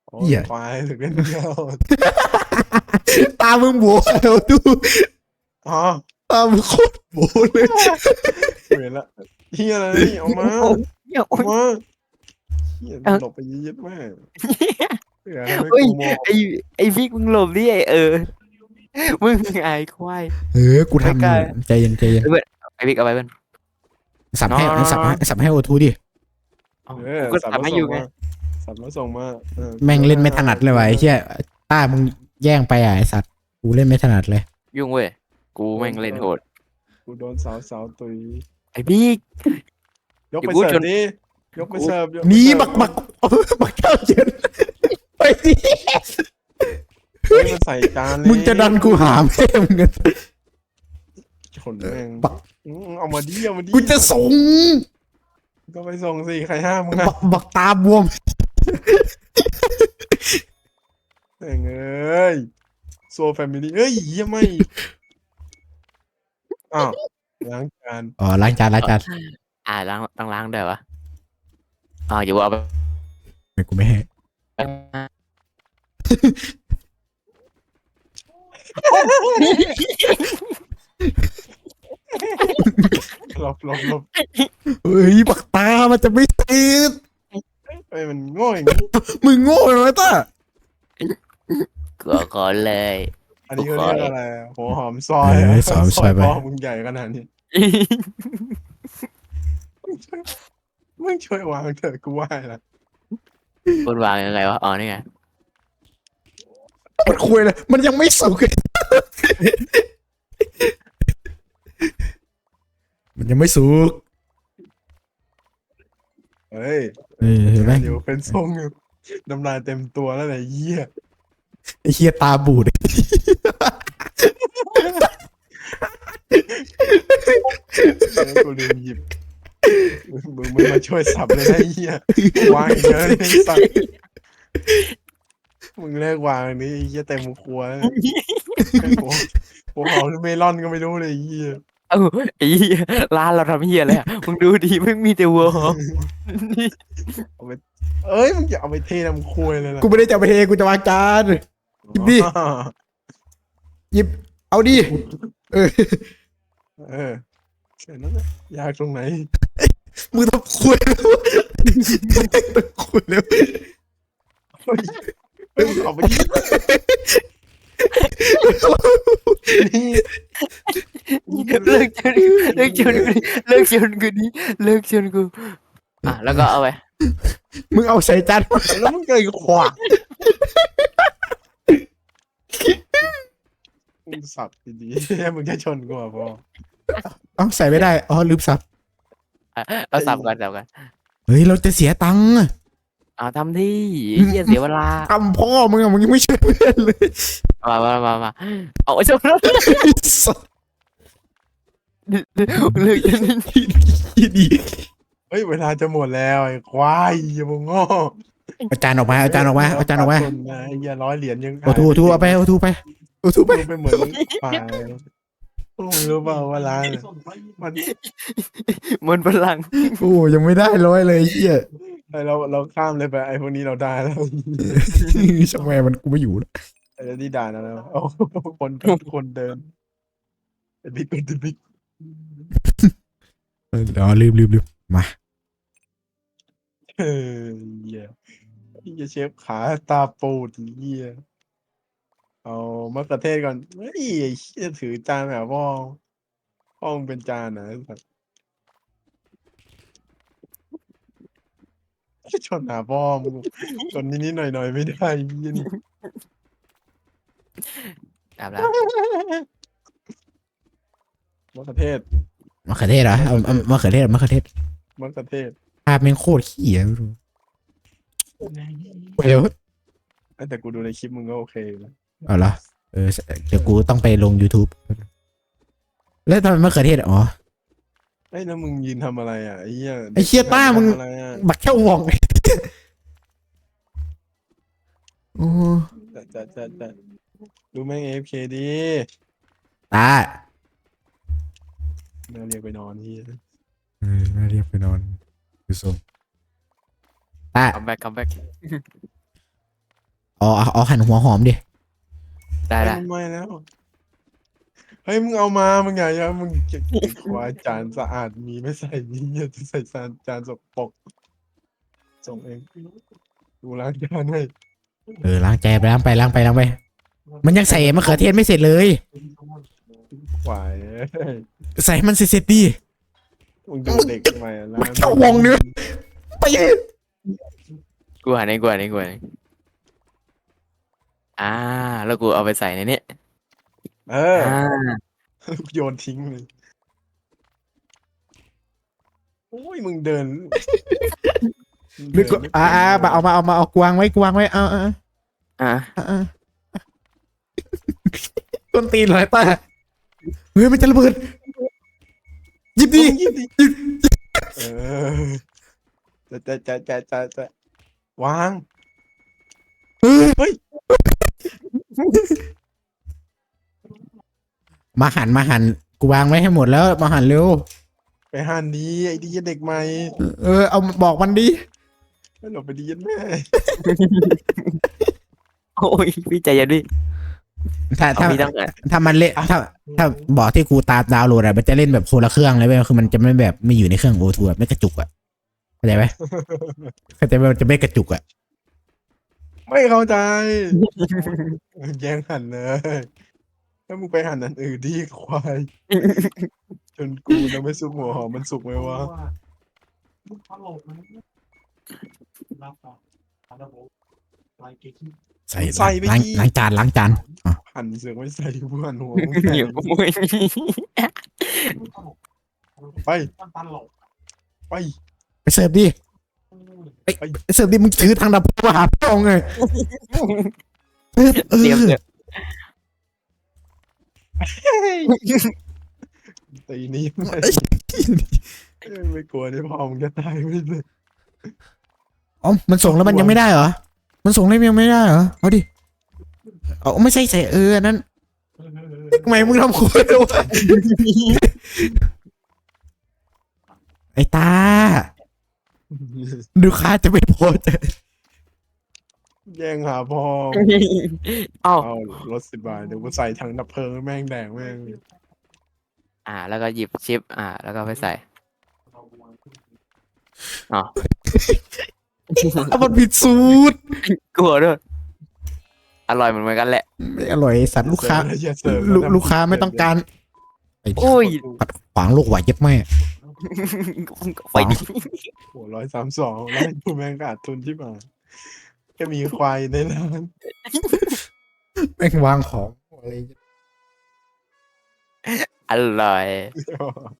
โอ้เหี้ยยควายถึงเล่นเดียวตามึงโบเอาดูอ๋อตามึงโคตรโบเลยเห็นละเฮียอะไรนี่เอามาโอ้ยโอ้เอายมาเฮียเอาหลบไปยึดแม่เผื่อทำให้เฮ้ยกูโมโหไอ้พี่มึงหลบดิมึงไอ้ควายกูทำอไม่กล้ายู่ใจเย็นใจเย็นเพื่อนไอ้พี่เอาไปเพื่อนสับให้น้องสับให้โอทูดิเอาเออกูก็สับทำแล้วให้อส่ยู่งไงมาสับแล้วส่งมาออแม่งเล่นไม่ถนัดเลยวะไอ้เหี้ยตามึงแย่งไปอ่ะไอ้สัตว์กูเล่นไม่ถนัดเลยยุ่งเว้ยกูแม่งเล่นโหดกูโดนสาวตุยไอ้พี่ยกอย่าไปพูดเสิร์จฟนดิยกไปเสิร์ฟยกไปหนีเสิร์ฟบักเจ้าเย็นไปดิเฮ้ยมันใส่จานเลยมึงจะดันกูหาแม่มึงกันชนแม่งบักเอามาดิเอามาดิกูจะส่งก็ไปส่งสิใครห้ามมึงบักตาบวมเอ้ยโซแฟมิลี่เอ้ยเหี้ยไม่อ้าวล้างจานอ๋อล้างจานล้างต้องล้างด้วยวะอย่าเอาไปไม่กูไม่ให้หลบเฮ้ยบักตามันจะไม่ติดเอ้ยมันโง่อย่างนี้มึงโง่เลยต้าก่อนเลยอันนี้เขาเรียกอะไรอะหัวหอมซอยซอยไปพ่อมึงใหญ่ขนาดนี้มึงช่วยวางเถอะกูไหว้ละคุณวางยังไงวะนี่ไงมันคุยเลยมันยังไม่สุกเลยมันยังไม่สุกเฮ้ยเห็นไหมเดี๋ยวเป็นทรงอยู่น้ำลายเต็มตัวแล้วไหนเหี้ยไอ้เฮียตาบูดกูลืมหยิบมึงไม่มาช่วยสับเลยนะไอ้เหี้ยวางอีกเยอะเลยไอ้สัตว์มึงเลิกวางอันนี้ไอ้เหี้ยเต็มครัวแล้วหัวหอมหรือเมลอนก็ไม่รู้เลยไอ้เหี้ยเอ้าไอ้เหี้ยร้านเราทำเหี้ยอะไรมึงดูดิมึงมีแต่วัวหอมเอ้ยมึงอย่าเอาไปเทน้ำครัวเลยล่ะกูไม่ได้จะเอาไปเทกูจะวางจาน หยิบดิอ๋อหยิบเอาดิเออเออแค่นั้นแหละยากตรงไหนมึงต้องคุยแล้วต้องคุยแล้วเฮ้ยเฮ้ยเอาไปยิงนี่เลิกชนเลิกชนกูเลิกชนกูดิเลิกชนกูแล้วก็เอาไปมึงเอาใส่จานแล้วมึงเกยขวามึงสับดีๆมึงแค่ชนกูอ่ะพอเอาใส่ไม่ได้อ๋อลืมสับเอาสับกันเฮ้ยเราจะเสียตังค์อะทำที่เหี้ยเสียเวลาทำพ่อมึงอะมึงยังไม่ช่วยเพื่อนเลยมาเอาชนแล้วสัสเลิกชนดีเฮ้ยเวลาจะหมดแล้วไอ้ควายอย่ามึงโง่เอาจานออกมาเอาจานออกมาเอาจานออกมาคนนะไอ้เหี้ย100 เหรียญยังโอทูเอาไปโอทูไปโอทูไปมึงไปเหมือนป่ามึงรู้เปล่าว่าร้านอะมันมันพลังโอ้ยังไม่ได้ร้อยเลยไอ้เฮียไอเราข้ามเลยไปไอพวกนี้เราได้แล้วช่างแม่มันกูไม่อยู่แล้วไอ้ที่ด่านะแล้วเอาคนเดินไอ้บิ๊กเป็นบิ๊กเดี๋ยวลืมมาเฮ้ยเหี้ยพี่จะเชฟขาตาปูดเหี้ยเอามะเขือเทศก่อนเฮ้ยไอ้เหี้ยถือจานแบบพ่อมึงเป็นจานนะไอ้สัสชนหาพ่อมึงชนนิดๆหน่อยๆไม่ได้เหี้ยนี่ตามแล้วมะเขือเทศมะเขือเทศเหรอเอามะเขือเทศมะเขือเทศภาพแม่งโคตรขี้อ่ะไม่รู้เดี๋ยวแต่กูดูในคลิปมึงก็โอเคนะเอาละเดี๋ยวกูต้องไปลง YouTube แล้วทำไมมะเขือเทศอ๋อไอ้ยแล้วมึงยืนทำอะไรอ่ะไอ้เหี้ยไอ้เหี้ยต้ามึงทำอะไรอ่ะบักแค่วองโอ้จะดูแม่ง AFK ดีตาน่าเรียกไปนอนที่น่าเรียกไปนอนดูทรงตาคัมแบ็กเอาหั่นหัวหอมดิได้ได้ไม่แล้วเฮ้ยมึงเอามามึงไงอะมึงเก็บควายจานสะอาดมีไม่ใส่นี่จะใส่จานสกปรกส่งเองดูล้างจานให้ล้างใจไปล้างไป มันยังใส่มะเขือเทศไม่เสร็จเลยควายใส่ให้มันเสร็จๆดิมึงดูเด็กใหม่แล้วมันเข้าวงเนื้อ ไปกูหันเองแล้วกูเอาไปใส่ในนี้เอออ่าโยนทิ้งเลยโอ้ยมึงเดินนึกว่าเอากวางไว้เอาอ่าต้นตีนเลยป้าเฮ้ยมันจะระเบิดหยิบดิมึงหยิบดิเออจะวางเฮ้ยเฮ้ยมาหั่นกูวางไว้ให้หมดแล้วมาหั่นเร็วไปหันดีไอ้ดีเด็กใหม่เอาบอกมันดิไม่หลบไปดีแม่โอ้ยพี่ใจเย็นดิถ้าเอาพี่ต้องถ้ามันเล่นถ้าบอกที่กูตามดาวน์โหลดอะมันจะเล่นแบบคนละเครื่องเลยเว้ยคือมันจะไม่แบบไม่อยู่ในเครื่องโอทูไม่กระจุกอะเข้าใจไหมเข้าใจไหมมันจะไม่กระจุกอะไม่เข้าใจแย่งหันเลยถ้ามึงไปหันอันอื่นดีควายจนกูจะไม่สุกหัวหอมมันสุกไหมวะใส่ล้างจานหันเสือกไม่ใส่เพื่อนหัวเหนียวโอ้ยไปไปไปเสิร์ฟดิไปเสิร์ฟดิมึงถือทางดับมาหาพ่อไงเเตรียมตีนี้ไม่กลัวนี่พอมึงจะตายไม่เลยอ๋อมันส่งแล้วมันยังไม่ได้เหรอมันส่งแล้วยังไม่ได้เหรอเอาดิเอาไม่ใช่ใส่อันนั้นทำไมมึงทำโคตรเลยวะไอ้ตาดูค้าจะไม่พอใจแย่งหาพ่อเอ้าเอารถ10 บาทเดี๋ยวกูใส่ถังดับเพลิงแม่งแดงแม่งแล้วก็หยิบชิปแล้วก็ไปใส่อ๋อมันผิดสูตรกลัวด้วยอร่อยเหมือนกันแหละไม่อร่อยสัตว์ลูกค้าอย่เสิร์ฟลูกค้าไม่ต้องการไอ้โอ้ยขวางลูกไหวเย็บแม่ไปดิโห132แล้วกูแม่งขาดทุนที่มาแค่มีควายในร้านแม่งวางของอะไรอร่อย